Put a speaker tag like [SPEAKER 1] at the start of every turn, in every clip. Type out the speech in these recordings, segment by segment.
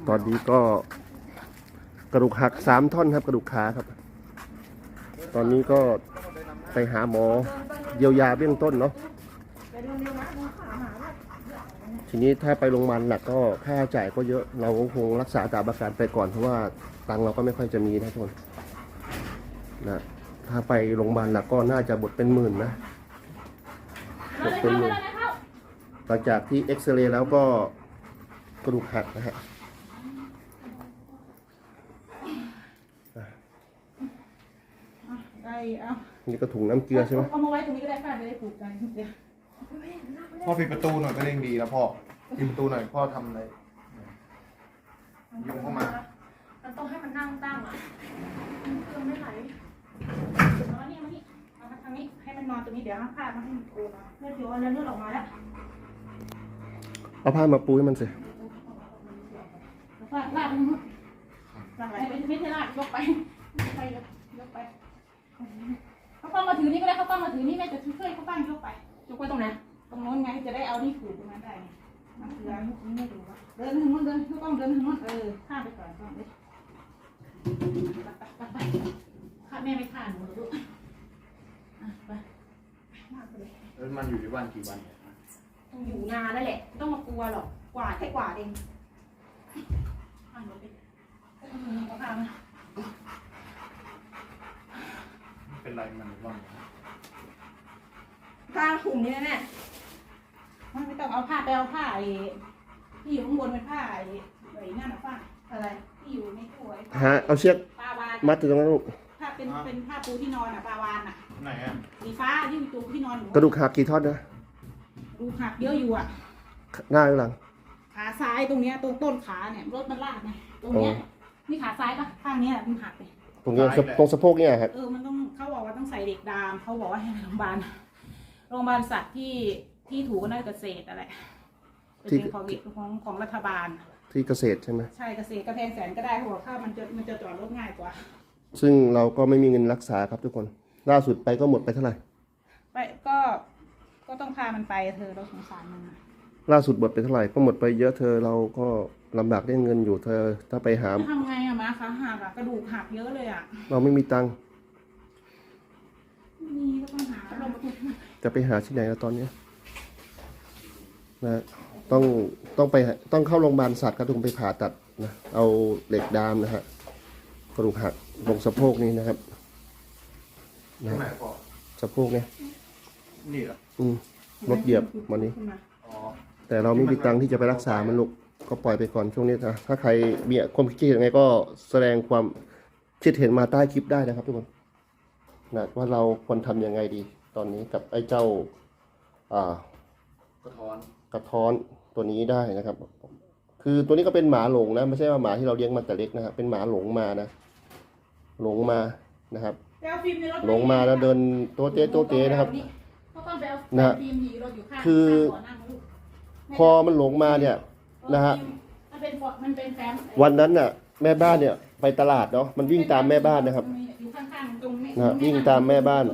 [SPEAKER 1] ตอนนี้ก็กระดูกหัก3 ท่อนครับกระดูกขาครับตอนนี้ก็ไปหาหมอเยียวยาเบื้องต้นเนาะทีนี้ถ้าไปโรงพยาบาลหนักก็ค่าใช้จ่ายก็เยอะเราคงรักษาตามอาการไปก่อนเพราะว่าตังค์เราก็ไม่ค่อยจะมีนะทุกคนนะถ้าไปโรงพยาบาลหนักก็น่าจะบทเป็นหมื่นนะบทเป็นหมื่นหลังจากที่เอ็กซเรย์แล้วก็กระดูกหักนะฮะนี่ก็ถุงน้ำเกลือใช่ไหม
[SPEAKER 2] เอามาไว้ตรงนี้ก็ได้ค่ะจะได้ผูกกันเดี๋ยว
[SPEAKER 3] พ่อปิดประตูหน่อยก็เร่งดีแล้วพ่อปิดประตูหน่อยพ่อทำอะไรยุงเข้ามา
[SPEAKER 2] มันต้องให้มันนั่งตั้งอ่ะเครื่องไม่ไหลเอานี่มานี่เอามาทางนี้ให้มันนอนตรงนี้เดี๋ยวเอาผ้ามาให้มันปูมาเลือดเยอะแล้วเลือดออกมาแล้ว
[SPEAKER 1] เอาผ้ามาปูให้มันสิ
[SPEAKER 2] ลากมันลากอะไรไม่ใช่ลากยกไปยกไปเขาต้องมาถือนี่ก็ได้เขาต้องมาถือนี่แม่จะช่วยเขาตั้งยกไปยกไปตรงไหนตรงโน้นไงจะได้เอานี่ผูกตรงนั้นได้ไงมันคืออะไรไม่รู้ว่าเดินทางโน้นเดินเขาต้องเดินทางโน้นข้ามไปก่อนก่อนเลยไปข้าแม่ไม่ข้าหนูหรอกลูกไป
[SPEAKER 3] แล้วมันอยู่ที่บ้านกี่วัน
[SPEAKER 2] ต้องอยู่นานแล้วแหละต้องมากลัวหรอกกวาดแค่กวาดเองข้ามหนูไปเอาข้ามมา
[SPEAKER 3] เป็นไรมันบ้าง
[SPEAKER 2] ผ้าถุงนี่แน่มันไม่ต้องเอาผ้าไปเอาผ้าที่อยู่ข้างบนเป็นผ้านั่นนะผ้าอะไรที่อยู่ในถ้วย
[SPEAKER 1] ฮะเอาเชือกมัดถึงตรงนั้นลูก
[SPEAKER 2] ผ้าเป็นผ้าปูที่นอนปลาวาน
[SPEAKER 3] ไหนอ่ะ
[SPEAKER 2] สีฟ้าที่อยู่ตัวที่นอน
[SPEAKER 1] กระดูกหักกี่ท่อนนะ
[SPEAKER 2] ดูหักเยอะอยู่
[SPEAKER 1] หน้าหรือหลัง
[SPEAKER 2] ขาซ้ายตรงเนี้ยตรงต้นขาเนี่ยรถมันลากไงตรงเนี้ยนี่ขาซ้ายปะข้างนี้มันหักไป
[SPEAKER 1] ตรงนี้ตรงสะโพกเนี่ยครับ
[SPEAKER 2] มันต้องเขาบอกว่าต้องใส่เด็กดามเขาบอกว่าให้โรงพยาบาลสัตว์ที่ถูกน่าเกษตรอะไรเป็นของรัฐบาล
[SPEAKER 1] ที่เกษตรใช่ไหม
[SPEAKER 2] ใช่เกษตรกระแพงแสนก็ได้หัวข้าวมันจะจอดรถง่ายกว่า
[SPEAKER 1] ซึ่งเราก็ไม่มีเงินรักษาครับทุกคนล่าสุดไปก็หมดไปเท่าไหร่
[SPEAKER 2] ไปก็ต้องพามันไปเธอเราสงสารมัน
[SPEAKER 1] ล่าสุดหมดไปเท่าไหร่ก็หมดไปเยอะเธอเราก็ลำบากได้เงินอยู่เธอถ้าไปหา
[SPEAKER 2] ทำไงมาขาหักกระดูกหักเยอะเลย
[SPEAKER 1] เราไม่มีตังค์
[SPEAKER 2] มีก็ต้องหา
[SPEAKER 1] จะไปหาที่ไหนแล้วตอนนี้นะต้องเข้าโรงพยาบาลสัตว์ก็ต้องไปผ่าตัดนะเอาเหล็กดามนะฮะกระดูกหักตรงสะโพกนี้นะครับ
[SPEAKER 3] นะ
[SPEAKER 1] สะโพกเนี่ย
[SPEAKER 3] นี่เหรอ
[SPEAKER 1] รถเหยียบวันนี้แต่เราไม่มีตังค์ที่จะไปรักษามันลูกก็ปล่อยไปก่อนช่วงนี้นะถ้าใครมีความคิดเห็นยังไงก็แสดงความคิดเห็นมาใต้คลิปได้นะครับทุกคนนะว่าเราควรทำยังไงดีตอนนี้กับไอ้เจ้ากระท้อนตัวนี้ได้นะครับคือตัวนี้ก็เป็นหมาหลงนะไม่ใช่ว่าหมาที่เราเลี้ยงมาแต่เล็กนะครับเป็นหมาหลงมานะหลงมานะครับหลงมาแล้วเดินโตเต้นะครับนะคือพอมันหลงมาเนี่ยนะฮะวันนั้นน่ะแม่บ้านเนี่ยไปตลาดเนาะมันวิ่งตามแม่บ้านนะครับนะวิ่งตามแม่บ้าน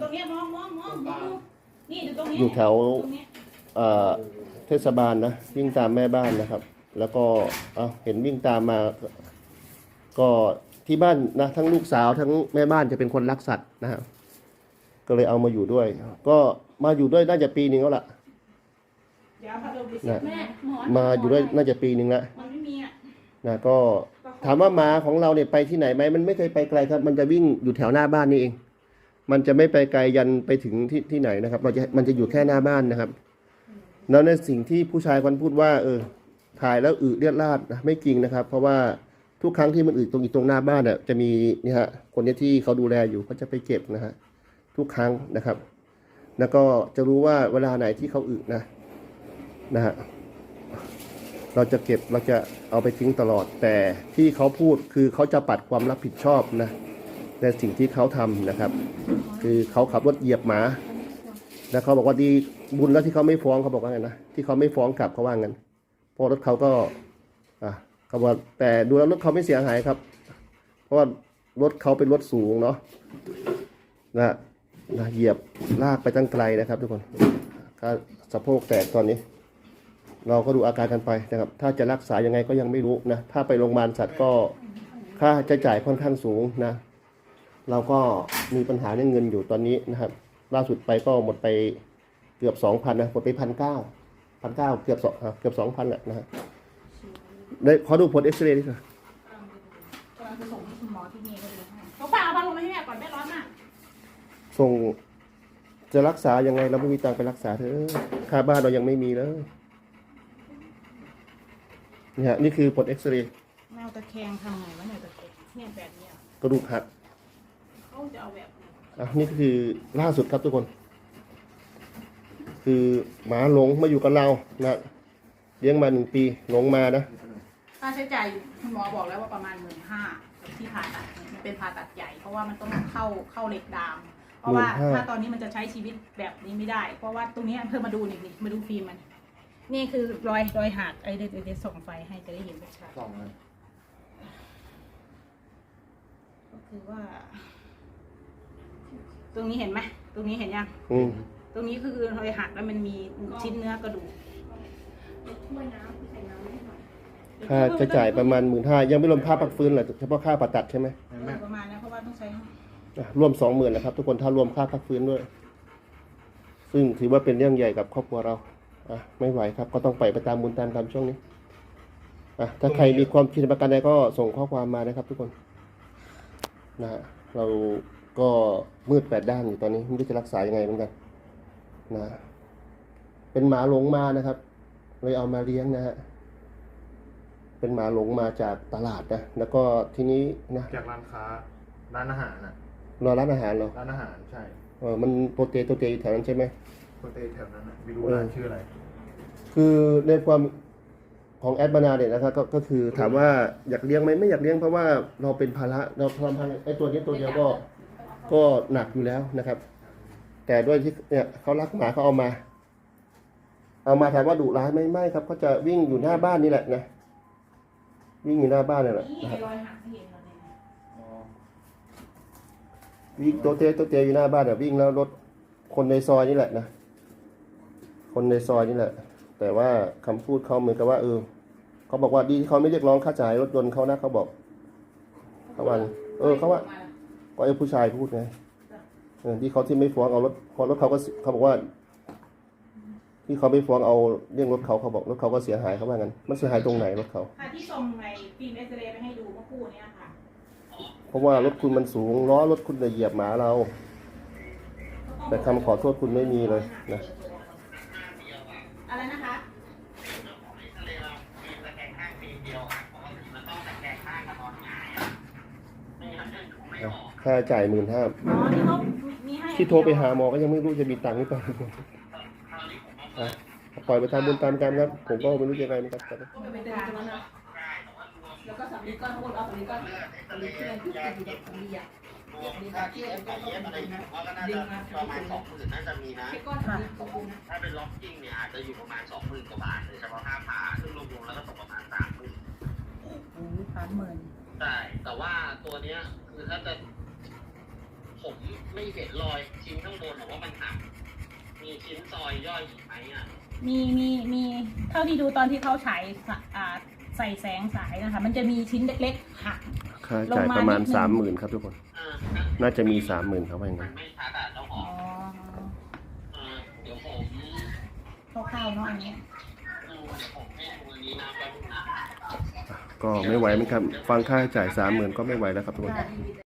[SPEAKER 1] อยู่แถวเทศบาลนะวิ่งตามแม่บ้านนะครับแล้วก็เห็นวิ่งตามมาก็ที่บ้านนะทั้งลูกสาวทั้งแม่บ้านจะเป็นคนรักสัตว์นะฮะก็เลยเอามาอยู่ด้วยก็มาอยู่ด้วยน่าจะปีนึงแล้วล่ะนะมาอยู่ด้วยน่าจะปีนึงแล้วนะก็ถามว่าหมาของเราเนี่ยไปที่ไหนไหมมันไม่เคยไปไกลครับมันจะวิ่งอยู่แถวหน้าบ้านนี่เองมันจะไม่ไปไกลยันไปถึงที่ไหนนะครับมันจะอยู่แค่หน้าบ้านนะครับแล้วในสิ่งที่ผู้ชายคนพูดว่าถ่ายแล้วเลือดราดนะไม่จริงนะครับเพราะว่าทุกครั้งที่มันตรงหน้าบ้านเนี่ยจะมีนี่ฮะคนที่เขาดูแลอยู่เขาจะไปเก็บนะฮะทุกครั้งนะครับแล้วก็จะรู้ว่าเวลาไหนที่เขานะฮะเราจะเก็บเราจะเอาไปทิ้งตลอดแต่ที่เขาพูดคือเขาจะปัดความรับผิดชอบนะในสิ่งที่เขาทำนะครับคือเขาขับรถเหยียบหมาแล้วเขาบอกว่าดีบุญแล้วที่เขาไม่ฟ้องเขาบอกว่าไงนะที่เขาไม่ฟ้องกลับเขาว่างั้นเพราะรถเขาก็เขาบอกแต่ดูแล้วรถเขาไม่เสียหายครับเพราะว่ารถเขาเป็นรถสูงเนาะนะเหยียบลากไปตั้งไกลนะครับทุกคนก็สะโพกแตกตอนนี้เราก็ดูอาการกันไปนะครับ ถ้าจะรักษายังไงก็ยังไม่รู้นะ ถ้าไปโรงพยาบาลสัตว์ก็ค่าใช้จ่ายค่อนข้างสูงนะ เราก็มีปัญหาเรื่องเงินอยู่ตอนนี้นะครับ ล่าสุดไปก็หมดไปเกือบ 2,000นะหมดไป1,900เกือบ 2,000แหละนะฮะได้ขอดูผลเอ็กซเรย์ดิค่ะ
[SPEAKER 2] กำลังจะส่งให้คุณหมอที่นี่ก็เลยให้เขาฝากเอาพัดลมมาให้แม่ก่อนแม่ร้อนมาก
[SPEAKER 1] ส่งจะรักษายังไงเราไม่มีตังค์ไปรักษาเธอค่าบ้านเรายังไม่มีเลยนี่ฮะนี่คือผลเอ็กซเรย์
[SPEAKER 2] แมวตะแคงทำไงวะเนี่ยตะแคงเนี่ยแบบเนี้ย
[SPEAKER 1] กระดูกหัก
[SPEAKER 2] เขาจะเอาแบบไหน
[SPEAKER 1] อ่ะนี่คือล่าสุดครับทุกคน คือหมาหลงมาอยู่กับเรานะเลี้ยงมา1 ปีหลงมานะ
[SPEAKER 2] ค่าใช้จ่ายคุณหมอบอกแล้วว่าประมาณ15,000ที่ผ่าตัดเนี่ยมันเป็นผ่าตัดใหญ่เพราะว่ามันต้องเข้าเหล็กดาม เพราะว่าถ้าตอนนี้มันจะใช้ชีวิตแบบนี้ไม่ได้ เพราะว่าตรงนี้เพิ่มมาดูนี่มาดูฟิล์มมันนี่คือรอยหักไอ้เดี๋ยวส่องไฟให้จะได้เห็นชัด
[SPEAKER 3] สองเลย
[SPEAKER 2] ๆก็คือว่า ตรงนี้เห็นไหมตรงนี้เห็นยัง
[SPEAKER 1] อืม
[SPEAKER 2] ตรงนี้คือรอยหักแล้วมันมีชิ้นเนื้อกระดูก
[SPEAKER 1] ค่าใช้จ่ายประมาณ15,000ยังไม่รวมค่าพักฟื้นเหรอเฉพาะค่าผ่าตัดใช่ไหม
[SPEAKER 3] แม่
[SPEAKER 2] ประมาณนั้นเพราะว่าต้องใช้
[SPEAKER 1] อ่ะรวม 20,000นะครับทุกคนถ้ารวมค่าพักฟื้นด้วย ซึ่งถือว่าเป็นเรื่องใหญ่กับครอบครัวเราอ่ะไม่ไหวครับ ก็ต้องไปตามบุญตามกรรมช่วงนี้อ่ะถ้าใครมีความคิดประกันใดก็ส่งข้อความมานะครับ ทุกคนนะฮะเราก็มืด8 ด้านอยู่ตอนนี้ไม่รู้จะรักษายังไงเหมือนกันนะเป็นหมาหลงมานะครับเลยเอามาเลี้ยงนะฮะเป็นหมาหลงมาจากตลาดนะแล้วก็ทีนี้นะ
[SPEAKER 3] จากร้านค้าร้านอาหารน่ะ
[SPEAKER 1] รอร้านอาหารเหรอ
[SPEAKER 3] ร้านอาหารใช่
[SPEAKER 1] มันโปรเตอยู่แถวนั้นใช่ไหม
[SPEAKER 3] โปรเตแถวนั้นน่ะไม่รู้ร้านชื่ออะไร
[SPEAKER 1] คือในความของแอดบานาเนี่ยนะครับก็คือถามว่าอยากเลี้ยงไหมไม่อยากเลี้ยงเพราะว่าเราเป็นภาระเราทำพันไอ้ตัวนี้ตัวเดียวก็หนักอยู่แล้วนะครับ แต่ด้วยที่เนี่ยเขารักหมาเขาเอามาถามว่าดุร้ายไหมไม่ครับเขาจะวิ่งอยู่หน้าบ้านนี่แหละนะวิ่งอยู่หน้าบ้านนี่แหละ
[SPEAKER 2] นี่
[SPEAKER 1] นะครับ
[SPEAKER 2] รอยหักที่เห็นเราเนี่ย
[SPEAKER 3] อ๋อ
[SPEAKER 1] วิ่งตัวเตอยู่หน้าบ้านเนี่ยวิ่งแล้วรถคนในซอยนี่แหละนะคนในซอยนี่แหละ แต่ว่าคำพูดเขาเหมือนกับว่าเขาบอกว่าดีที่เขาไม่เรียกร้องค่าจ่ายรถยนต์เขานะเขาบอกเขาว่าเขาว่าก็ไอ้ผู้ชายพูดไงที่เขาที่ไม่ฟ้องเอารถพอรถเขาก็เขาบอกว่า ที่เขาไม่ฟ้องเอาเรื่องรถเขาบอกรถเขาก็เสียหายเขาว่างั้นมันเสียหายตรงไหนรถเขา
[SPEAKER 2] ค่ะที่ส่งในฟิล์มเอ็กซเรย์ไปให้ดูเมื่อคู่เนี้ยค่ะ
[SPEAKER 1] เพราะว่ารถคุณมันสูงล้อรถคุณเหยียบหมาเรา แต่คำขอโทษคุณไม่มีเลยนะ
[SPEAKER 2] อะไรนะคะ
[SPEAKER 1] ค่าจ่าย15,000
[SPEAKER 2] อ๋อที่เขามีให้
[SPEAKER 1] ที่โทรไปหาหมอก็ยังไม่รู้จะมีตังค์หรือเปล่าอ่ะปล่อยไปตามบุญตามกรรมครับผมก็ไม่รู้จะยังไงเหมือนกันครับ
[SPEAKER 2] ก็ไปเป็นการแล้วนะแล้วก็สำลีก้อนทั้งหมดเอาสำลีก้อนสำลีเพื่อนที่อยู่เด็กสำลีอ่ะ
[SPEAKER 4] มีค่าที่เย็บอะไรอยู่ว่าก็น่าจะประมาณ20,000น่าจะมีนะ
[SPEAKER 2] แค่ก้อนสำลีตรงนี้นะ
[SPEAKER 4] ถ้าเป็นล็อกกิ้งเนี่ยอาจจะอยู่ประมาณ20,000 กว่าบาทเลยเฉพาะค่าผ่าซึ่งรวมๆแล้วก็ตกประมาณ30,000
[SPEAKER 2] โอ้โห30,000
[SPEAKER 4] ใช่แต่ว่าตัวเนี้ยคือถ้าจะผมไม่เห็นรอยชิ้นข้างบนหรือว่ามันหักมีชิ้นซอยย่อยอีกไหมอ่ะ
[SPEAKER 2] มีเท่าที่ดูตอนที่เขาฉายใส่แสงสายนะคะ มันจะมีชิ้นเล็กๆหัก
[SPEAKER 1] ค่าจ่ายประมาณ 30,000 ครับทุกคน
[SPEAKER 4] อ่า
[SPEAKER 1] น่าจะมี 30,000ครับว่าอย่าง
[SPEAKER 4] มั
[SPEAKER 1] นั้น
[SPEAKER 4] นไม่ชัดอ่ะเจ้าข
[SPEAKER 2] อ๋
[SPEAKER 4] อ
[SPEAKER 2] อง
[SPEAKER 4] เดี๋ยวผม
[SPEAKER 2] คร่าวๆเนาะอันนี้
[SPEAKER 4] เดี๋ยวผมให้ดูอันนี้นะแป๊บนึงนะ
[SPEAKER 1] ก็ไม่ไหวเหมือนกันฟังค่าใช้จ่าย 30,000 ก็ไม่ไหวแล้วครับทุกคน
[SPEAKER 2] ได้